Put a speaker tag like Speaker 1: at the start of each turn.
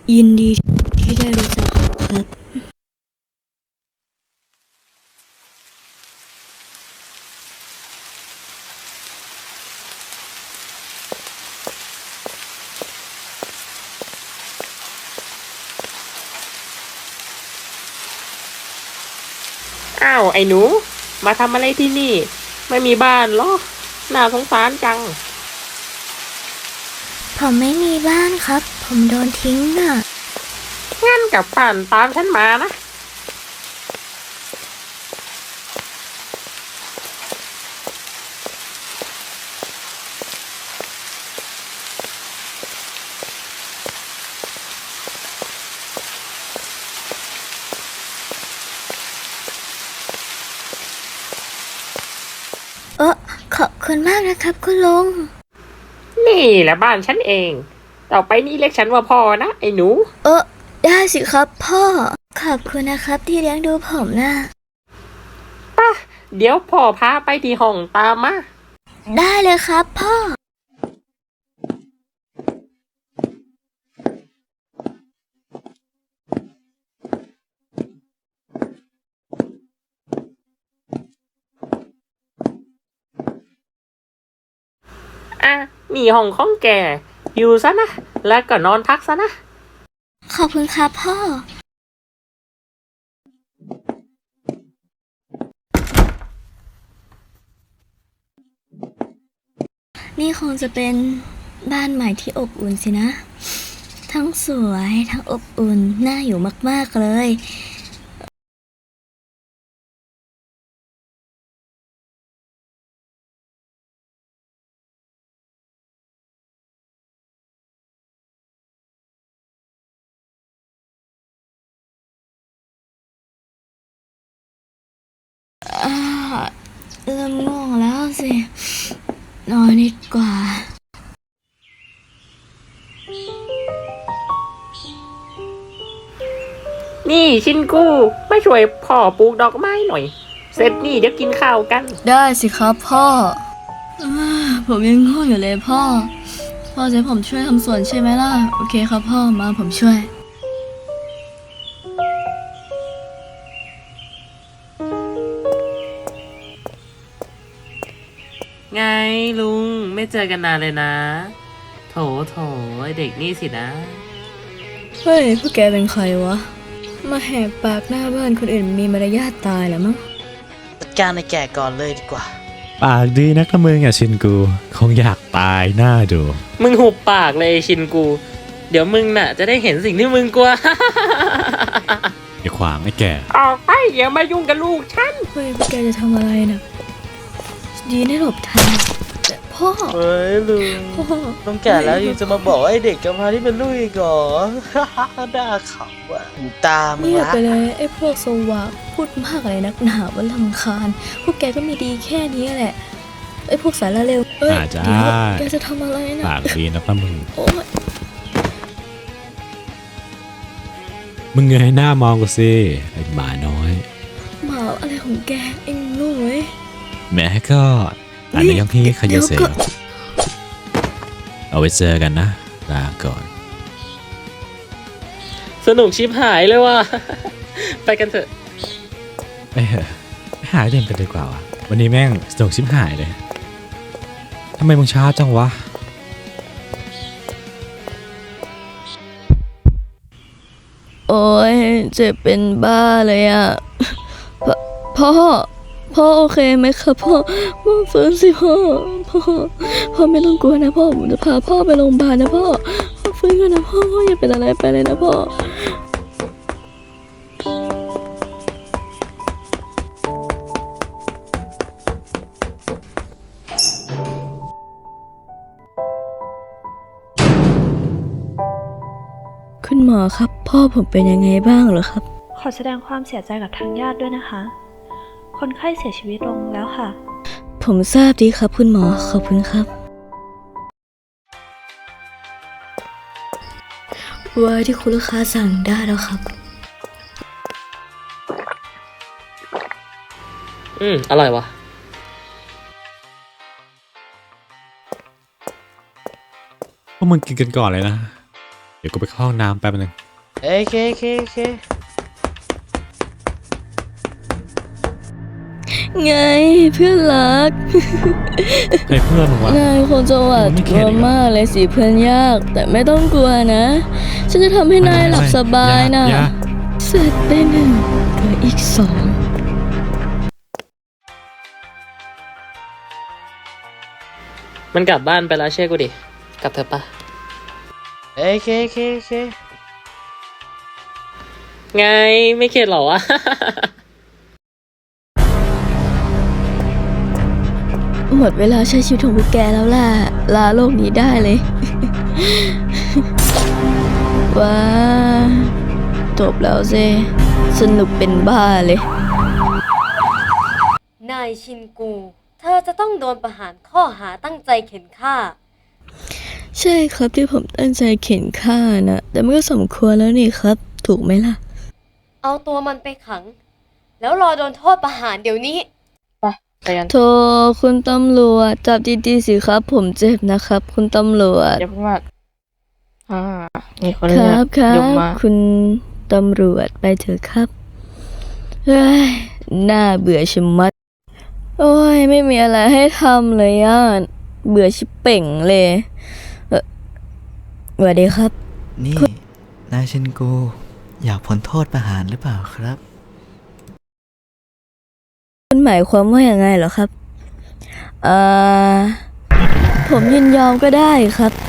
Speaker 1: ยินดีที่ได้รู้จักครับ
Speaker 2: อ้าวไอ้หนูมาทำอะไรที่นี่ไม่มีบ้านเหรอน่าสงสารจัง
Speaker 1: ผมไม่มีบ้านครับผมโดนทิ้งน่ะ
Speaker 2: งั้นกลับบ้านตามฉันมานะ
Speaker 1: ขอบคุณมากนะครับคุณลุง
Speaker 2: นี่แหละบ้านฉันเองต่อไปนี้เรียกฉันว่าพ่อนะไอ้หนู
Speaker 1: ได้สิครับพ่อขอบคุณนะครับที่เลี้ยงดูผมนะ
Speaker 2: ป่ะเดี๋ยวพ่อพาไปที่ห้องตามมา
Speaker 1: ได้เลยครับพ่อ
Speaker 2: อ่ะนี่ห้องของแกอยู่ซะนะแล้วก็นอนพักซะนะ
Speaker 1: ขอบคุณครับพ่อนี่คงจะเป็นบ้านใหม่ที่อบอุ่นสินะทั้งสวยทั้งอบอุ่นน่าอยู่มากๆเลยอ่าเริ่มง่วงแล้วสินอนดีกว่า
Speaker 2: นี่ชินกูมาช่วยพ่อปลูกดอกไม้หน่อยเสร็จนี่เดี๋ยวกินข้าวกัน
Speaker 1: ได้สิครับพ่อผมยังง่วงอยู่เลยพ่อจะให้ผมช่วยทำสวนใช่ไหมล่ะโอเคครับพ่อมาผมช่วย
Speaker 2: ไงลุงไม่เจอกันนานเลยนะโถไอเด็กนี่สินะ
Speaker 1: เฮ้ยพวกแกเป็นใครวะมาแหกปากหน้าบ้านคนอื่นมีมารยาทตายเหรอมั้ง
Speaker 3: จัดการในแก่ก่อนเลยดีกว่า
Speaker 4: ปากดีนักละมึงอ่ะชินกูคงอยากตายหน้าดู
Speaker 2: มึงหุบปากเลยชินกูเดี๋ยวมึงน่ะจะได้เห็นสิ่งที่มึงกลัว
Speaker 4: อย่าขวางไอ้แก่
Speaker 2: ออกไปอย่ามายุ่งกับลูกฉัน
Speaker 1: เฮ้ยพวกแกจะทำอะไรนะดีได้หลบทันแต่พ่อ
Speaker 3: เฮ้ยลุงต้องแก่แล้วยังจะมาบอกว่าไอเด็กกำพร้าที่เป็นลูกอีกเหรอ ด่าเขาอ่ะตาม
Speaker 1: เงียบไปเลยไอ้พวกโซวาพูดมากอะไรนักหนาวันรำคาญพวกแกก็มีดีแค่นี้แหละไอ้พวกสารเลวเดี๋ยวแกจะทำอะไรนะ
Speaker 4: ปากดีนักละมึง
Speaker 1: โอ๊ย
Speaker 4: มึงเงยหน้ามองกูสิไอ้หมาน้อย
Speaker 1: หมาอะไรของแกไอ้หนุ่ย
Speaker 4: แม้ก็อันนี้ยังพี่ขยเซลเอาไว้เจอกันนะลาก่อน
Speaker 2: สนุกชิบหายเลยว่ะ ไปกันเถอะ
Speaker 4: ไปเถอะไปหาเด่นกันดีกว่าวะวันนี้แม่งสนุกชิบหายเลยทำไมมึงช้าจังวะ
Speaker 1: โอ้ยเจ็บเป็นบ้าเลยอ่ะพ่อโอเคไหมครับพ่อฟื้นสิพ่อไม่ต้องกลัวนะพ่อผมจะพาพ่อไปโรงพยาบาลนะพ่อฟื้นกันนะพ่ออย่าเป็นอะไรไปเลยนะพ่อคุณหมอครับพ่อผมเป็นยังไงบ้างเหรอครับ
Speaker 5: ขอแสดงความเสียใจกับทางญาติด้วยนะคะคนไข้เสียชีวิตลงแล้วค่ะ
Speaker 1: ผมทราบดีครับคุณหมอขอบคุณครับไวน์ที่คุณลูกค้าสั่งได้แล้วครับ
Speaker 2: อร่อยวะ
Speaker 4: พวกมึงกินกันก่อนเลยนะเดี๋ยวกูไปเข้าห้องน้ำแป๊บนึง
Speaker 3: โอเคโอเคโอเค
Speaker 1: ไงเพื่อนรัก
Speaker 4: ใครเพื่อนมึงวะ
Speaker 1: นายคงจะหวาด
Speaker 4: ไม่
Speaker 1: ก
Speaker 4: เข็
Speaker 1: ลั
Speaker 4: ด
Speaker 1: ว
Speaker 4: อีกเหรอ
Speaker 1: มากเลยสิเพื่อนยาก แต่ไม่ต้องกลัวนะ ฉันจะทำให้นายหลับสบายนะ
Speaker 4: อย่า
Speaker 1: เสร็จไป1เหลืออีก2
Speaker 2: มันกลับบ้านไปแล้วเชื่อกูดิ กลับเถอะปะ
Speaker 3: โอเคโอเคโอเค
Speaker 2: ไงไม่เข็ดเหรอวะ
Speaker 1: หมดเวลาใช้ชีวิตของพวกแกแล้วล่ะ ลาโลกนี้ได้เลย ว้าจบแล้วสิสนุกเป็นบ้าเลย
Speaker 6: นายชินกู เธอจะต้องโดนประหารข้อหาตั้งใจเข็นฆ่า
Speaker 1: ใช่ครับที่ผมตั้งใจเข็นฆ่านะแต่มันก็สมควรแล้วนี่ครับ ถูกไหมล่ะ
Speaker 6: เอาตัวมันไปขัง แล้วรอโดนโทษประหารเดี๋ยวนี้
Speaker 2: ไปกัน
Speaker 1: โทรคุณตำรวจจับดีๆสิครับ ผมเจ็บนะครับ คุณตำรวจ
Speaker 7: อย่าเพิ่งมามีคน
Speaker 1: ค
Speaker 7: เรีย
Speaker 1: รับ
Speaker 7: ก
Speaker 1: ครั
Speaker 7: ยก
Speaker 1: บ
Speaker 7: มา
Speaker 1: คุณตำรวจไปเถอะครับเฮ้ยน่าเบื่อชะมัด โอ้ยไม่มีอะไรให้ทำเลยอ่ะเบื่อชิบเป่งเลยสวัสดีครับ
Speaker 8: นี่ นายชินกู อยากพ้นโทษประหารหรือเปล่าครับ
Speaker 1: คุณหมายความว่าอย่างไงเหรอครับผมยินยอมก็ได้ครับ